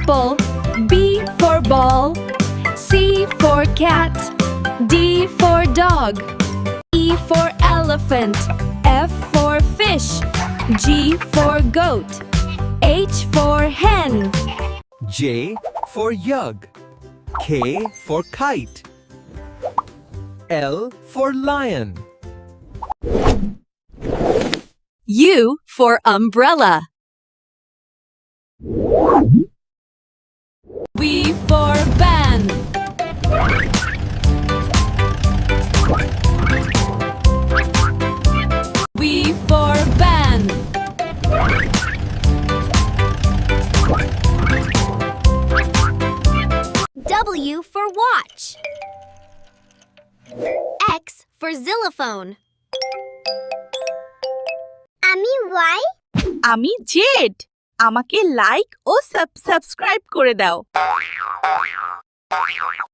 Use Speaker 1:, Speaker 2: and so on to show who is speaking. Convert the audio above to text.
Speaker 1: apple. B for ball. C for cat. D for dog. E for elephant. F for fish. G for goat. H for hen.
Speaker 2: J for jug. K for kite. L for lion.
Speaker 1: U for umbrella. V for van. V for van.
Speaker 3: W for watch. X for xylophone. আমি Y.
Speaker 4: আমি Z. আমাকে like ও subscribe করে দাও।